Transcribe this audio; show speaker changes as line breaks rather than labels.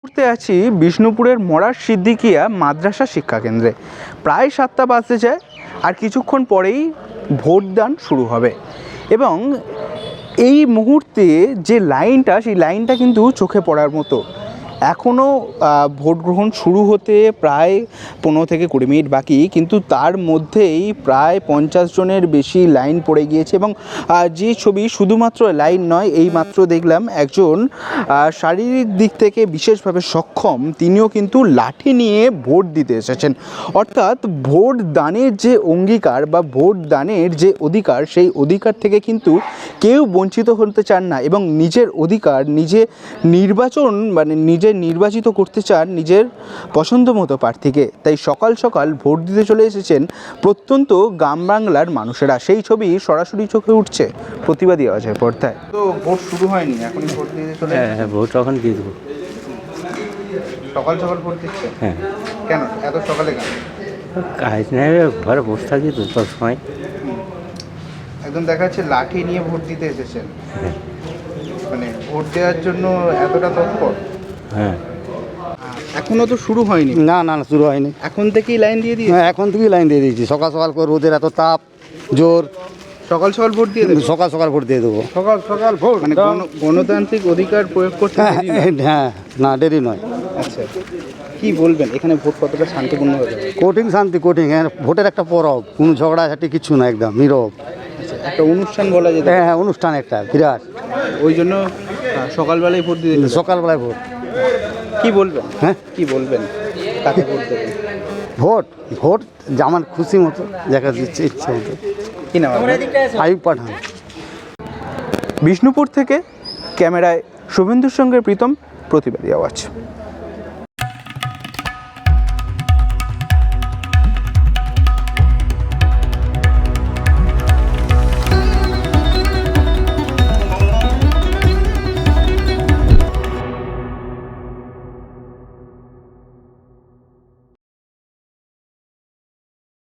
মুহূর্তে আছি বিষ্ণুপুরের মরার সিদ্দিকিয়া মাদ্রাসা শিক্ষাকেন্দ্রে। প্রায় 7টা বাজতে যায়, আর কিছুক্ষণ পরেই ভোটদান শুরু হবে। এবং এই মুহূর্তে যে লাইনটা, সেই লাইনটা কিন্তু চোখে পড়ার মতো। এখনও ভোট গ্রহণ শুরু হতে প্রায় 15 থেকে 20 মিনিট বাকি, কিন্তু তার মধ্যেই প্রায় 50 জনের বেশি লাইন পড়ে গিয়েছে। এবং যে ছবি, শুধুমাত্র লাইন নয়, এইমাত্র দেখলাম একজন শারীরিক দিক থেকে বিশেষভাবে সক্ষম, তিনিও কিন্তু লাঠি নিয়ে ভোট দিতে এসেছেন। অর্থাৎ ভোট দানের যে অঙ্গীকার বা ভোট দানের যে অধিকার, সেই অধিকার থেকে কিন্তু কেউ বঞ্চিত হতে চান না, এবং নিজের অধিকার নিজে নির্বাচন নিজে নির্বাচিত করতে চান নিজের পছন্দ মতো প্রার্থীকে। তাই সকাল সকাল ভোট দিতে চলে এসেছেন প্রত্যন্ত গ্রাম বাংলার মানুষেরা। সেই ছবি সরাসরি চোখে উঠছে প্রতিবাদী আওয়াজের পর্দায়। তো ভোট শুরু হয়নি, এখনই ভোট দিতে চলে?
হ্যাঁ, ভোট এখন দিয়ে দেবো।
সকাল সকাল ভোট দিচ্ছে?
হ্যাঁ।
কেন এত সকালে কেন?
কাজ নেই, ঘরে বসে থাকি তো সব সময়।
একদম দেখা যাচ্ছে লাঠি নিয়ে ভোট দিতে এসেছেন,
হ্যাঁ।
মানে ভোট দেওয়ার জন্য এতটা তৎপর?
হ্যাঁ।
এখনো তো শুরু হয়নি?
না না না, শুরু হয়নি।
এখন থেকেই লাইন দিয়ে দিয়ে?
হ্যাঁ, এখন থেকেই লাইন দিয়ে দিয়েছি। সকাল সকাল করে, রোদের এত তাপ জোর,
সকাল সকাল ভোট দিয়ে দেবেন?
সকাল সকাল ভোট দিয়ে দেবো।
সকাল সকাল ভোট মানে গণতান্ত্রিক অধিকার প্রয়োগ করতে
হ্যাঁ
দেরি নয়?
হ্যাঁ, না দেরি নয়।
আচ্ছা, কি বলবেন এখানে ভোট কতটা শান্তিপূর্ণ হবে?
কোটিং শান্তি, কোটিং। হ্যাঁ, ভোটের একটা পরব, কোনো ঝগড়াঝাটি কিছু না, একদম নীরব।
আচ্ছা, একটা অনুষ্ঠান বলা যেত।
হ্যাঁ হ্যাঁ, অনুষ্ঠান একটা বিরাট।
ওই জন্য সকালবেলায় ভোট দিয়ে দিলেন?
সকালবেলায় ভোট।
কি বলবেন?
হ্যাঁ,
কি বলবেন, কাকে ভোট দেবেন?
ভোট ভোট আমার খুশি মতো, দেখা দিচ্ছে ইচ্ছে মতো।
কি নাম আপনার?
আইয়ুব পাঠান।
বিষ্ণুপুর থেকে ক্যামেরায় শুভেন্দুর সঙ্গে প্রীতম, প্রতিবাদী আওয়াজ।